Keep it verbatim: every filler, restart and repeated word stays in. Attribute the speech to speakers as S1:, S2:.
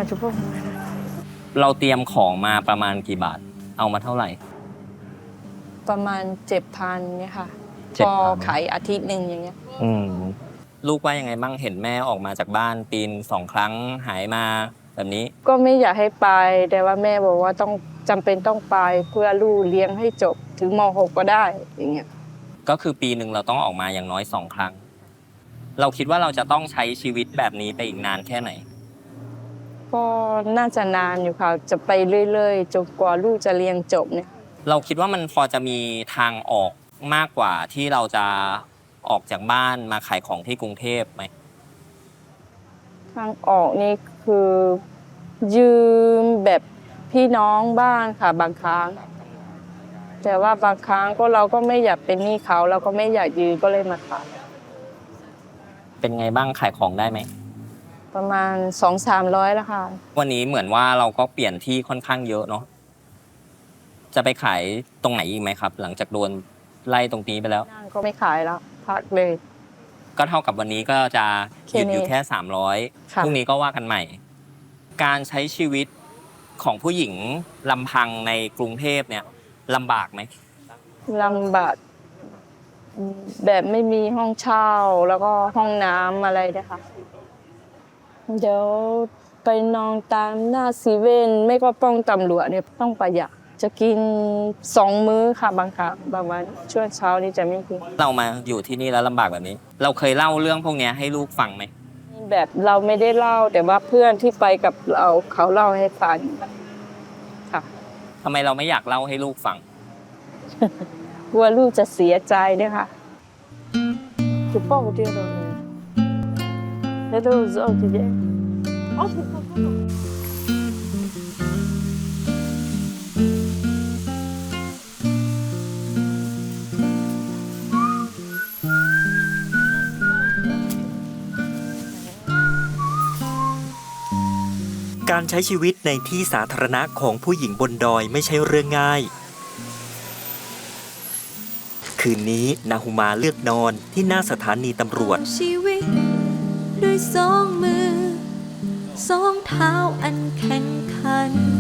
S1: จุ๊บ
S2: เราเตรียมของมาประมาณกี่บาทเอามาเท่าไหร่
S1: ประมาณเจ็ดพันเนี่ยค่ะพอขายอาทิตย์หนึ่งอย่างเงี้ย
S2: อืมลูกว่ายังไงบ้างเห็นแม่ออกมาจากบ้านปีนสองครั้งหายมาแบบนี้
S1: ก็ไม่อยากให้ไปแต่ว่าแม่บอกว่าต้องจำเป็นต้องไปเพื่อลูกเลี้ยงให้จบถึงม หก ก็ได้อย่างเงี้ย
S2: ก็คือปีหนึ่งเราต้องออกมาอย่างน้อยสองครั้งเราคิดว่าเราจะต้องใช้ชีวิตแบบนี้ไปอีกนานแค่ไหน
S1: ก็น่าจะนานอยู่ค่ะจะไปเรื่อยๆจนกว่าลูกจะเรียนจบเนี่ย
S2: เราคิดว่ามันพอจะมีทางออกมากกว่าที่เราจะออกจากบ้านมาขายของที่กรุงเทพไหม
S1: ทางออกนี่คือยืมแบบพี่น้องบ้านค่ะบางครั้งแต่ว่าบางครั้งก็เราก็ไม่อยากเป็นหนี้เขาเราก็ไม่อยากยืมก็เลยมาขาย
S2: เป็นไงบ้างขายของได้ไหม
S1: ประมาณ สองสามร้อย แล้วค่ะ
S2: วันนี้เหมือนว่าเราก็เปลี่ยนที่ค่อนข้างเยอะเนาะจะไปขายตรงไหนอีกไหมครับหลังจากโดนไล่ตรงนี้ไปแล้ว
S1: ก็ไม่ขายแล้วพักเลย
S2: ก็เท่ากับวันนี้ก็จะหยุดอยู่แค่สามร้อยพรุ่งนี้ก็ว่ากันใหม่การใช้ชีวิตของผู้หญิงลำพังในกรุงเทพเนี่ยลำบากไหม
S1: ลำบากแบบไม่มีห้องเช่าแล้วก็ห้องน้ำอะไรนะคะเดี๋ยวไปนอนตามหน้าซีเว่นไม่ก็ป้องตำรวจเนี่ยต้องประหยัดจะกินสองมื้อค่ะบางครั้งบางวันช่วงเช้านี้จะไม่กิน
S2: เรามาอยู่ที่นี่แล้วลำบากแบบนี้เราเคยเล่าเรื่องพวกนี้ให้ลูกฟังไหม
S1: แบบเราไม่ได้เล่าแต่ว่าเพื่อนที่ไปกับเราเขาเล่าให้ฟังค่ะ
S2: ทำไมเราไม่อยากเล่าให้ลูกฟัง
S1: กลัวลูกจะเสียใจด้วยค่ะจุ๊บป้องเดียวเลยแล้วดูจะเอาที่ไหนอ๋อถูกต้อง
S3: การใช้ชีวิตในที่สาธารณะของผู้หญิงบนดอยไม่ใช่เรื่องง่ายคืนนี้นาฮูมาเลือกนอนที่หน้าสถานีตำรวจ
S4: ชีวิตด้วยสองมือสองเท้าอันแข็งขัน